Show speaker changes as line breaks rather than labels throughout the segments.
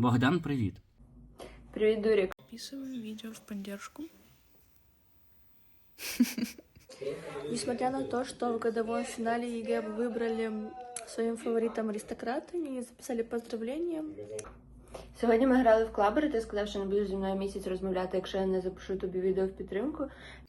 Богдан, привіт.
Привет, Дурик.
Записываем видео в поддержку.
Несмотря на то, что в годовом финале ЕГЭ вы выбрали своим фаворитом аристократа и записали поздравления. Сьогодні ми грали в клабер, і ти сказав, що не будеш зі мною місяць розмовляти, якщо я не запишу тобі відео в підтримку.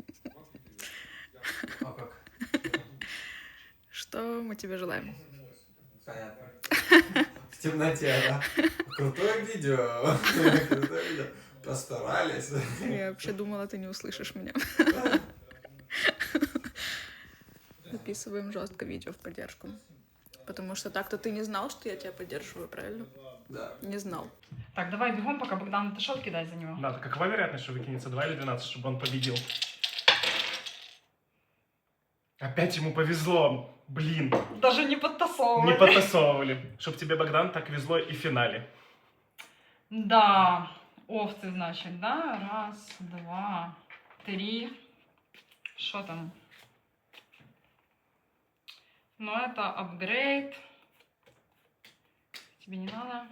А как?
Что мы тебе желаем?
Понятно. В темноте, да? Крутое видео. Крутое видео. Постарались.
Я вообще думала, ты не услышишь меня. Записываем жестко видео в поддержку. Потому что так-то ты не знал, что я тебя поддерживаю, правильно?
Да.
Не знал.
Так, давай бегом, пока Богдан отошел, кидай за него.
Да, какова вероятность, что выкинется 2 или 12, чтобы он победил? Опять ему повезло. Блин,
Даже не подтасовывай.
не подтасовывали. Чтоб тебе, Богдан, так везло и в финале.
Да, овцы, значит, да? Раз, два, три. Что там? Ну, это апгрейд. Тебе не надо.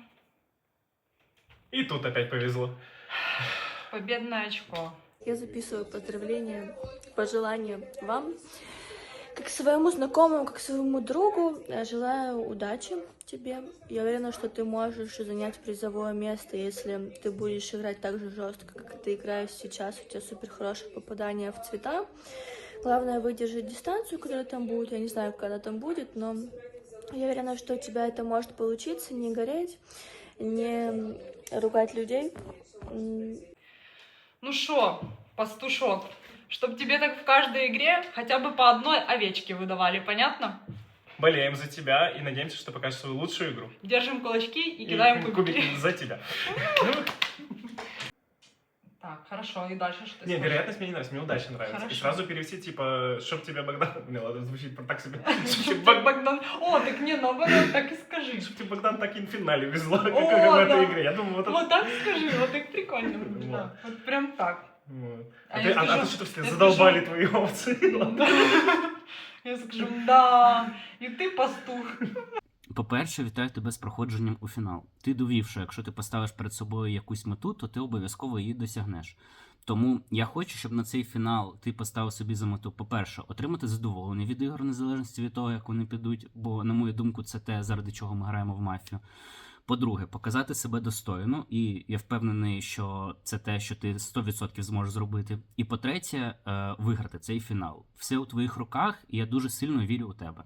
И тут опять повезло.
Победное очко.
Я записываю поздравления, пожелания вам. Как своему знакомому, как своему другу, я желаю удачи тебе. Я уверена, что ты можешь занять призовое место, если ты будешь играть так же жестко, как ты играешь сейчас. У тебя супер хорошее попадание в цвета. Главное выдержать дистанцию, которая там будет. Я не знаю, когда там будет, но я уверена, что у тебя это может получиться. Не гореть, не ругать людей.
Ну шо, пастушок, чтоб тебе так в каждой игре хотя бы по одной овечке выдавали, понятно?
Болеем за тебя и надеемся, что покажешь свою лучшую игру.
Держим кулачки и кидаем кубики.
за тебя.
Так, хорошо, и дальше что ты
Не,
скажешь?
вероятность мне не нравится, мне удача нравится.
Хорошо.
И сразу перевести, типа, чтоб тебе, Богдан... Не, ладно, звучит так себе.
Чтоб тебе Богдан... О, так не, наоборот, так и скажи.
Чтоб тебе, Богдан, так и в финале везло, как
О,
в этой
да.
игре. Я думаю, вот это...
Вот так скажи, вот так прикольно будет,
Вот.
да. Вот прям так.
Вот.
А
А
я
ты
скажу-
что-то
я
задолбали
скажу-
твои овцы.
Да. Я скажу, да, і ти пастух.
По-перше, вітаю тебе з проходженням у фінал. Ти довів, що якщо ти поставиш перед собою якусь мету, то ти обов'язково її досягнеш. Тому я хочу, щоб на цей фінал ти поставив собі за мету, по-перше, отримати задоволення від ігор, незалежності від того, як вони підуть, бо, на мою думку, це те, заради чого ми граємо в мафію. По-друге, показати себе достойно, і я впевнений, що це те, що ти 100% зможеш зробити. І по-третє, виграти цей фінал. Все у твоїх руках, і я дуже сильно вірю у тебе.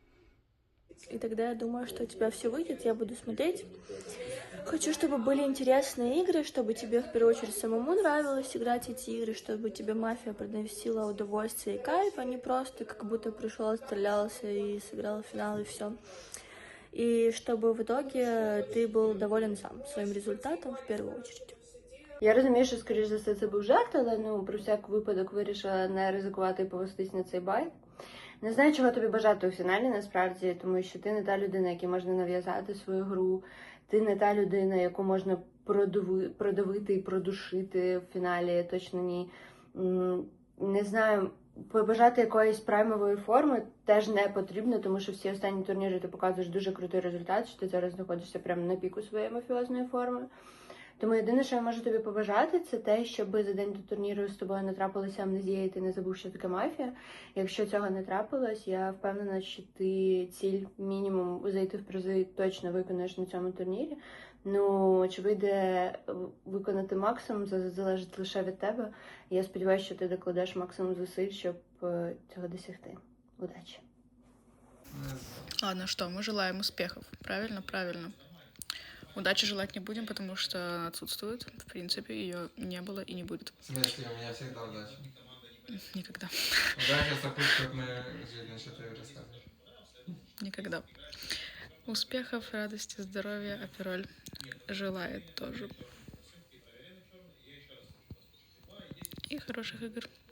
И тогда я думаю, что у тебя все выйдет, я буду смотреть. Хочу, чтобы были интересные игры, чтобы тебе в первую очередь самому нравилось играть эти игры, чтобы тебе мафия приносила удовольствие и кайф, а не просто как будто пришел, отстрелялся и сыграл в финал и все. И чтобы в итоге ты был доволен сам своим результатом в первую очередь. Я розумію, що, скоріш за все, це був жарт, але про всяк випадок вирішила не ризикувати і повестись на цей байт. Не знаю, чого тобі бажати у фіналі, насправді, тому що ти не та людина, якій можна нав'язати свою гру, ти не та людина, яку можна продавити і продушити в фіналі, точно ні. Не знаю, побажати якоїсь праймової форми теж не потрібно, тому що всі останні турніри ти показуєш дуже крутий результат, що ти зараз знаходишся прямо на піку своєї мафіозної форми. Тому єдине, що я можу тобі побажати, це те, щоб за день до турніру з тобою не трапилася амнезія і ти не забув, що таке мафія. Якщо цього не трапилось, я впевнена, що ти ціль мінімум зайти в призи точно виконаєш на цьому турнірі. Ну, чи вийде виконати максимум, це залежить лише від тебе. Я сподіваюся, що ти докладеш максимум зусиль, щоб цього досягти. Удачі!
Ладно, что, мы желаем успехов. Правильно? Правильно. Удачи желать не будем, потому что она отсутствует. В принципе, ее не было и не будет.
В смысле, у меня всегда удача.
Никогда.
Удача сопутствует моей жизни, что ты рассказываешь.
Никогда. Успехов, радости, здоровья, Апероль желает тоже. И хороших игр.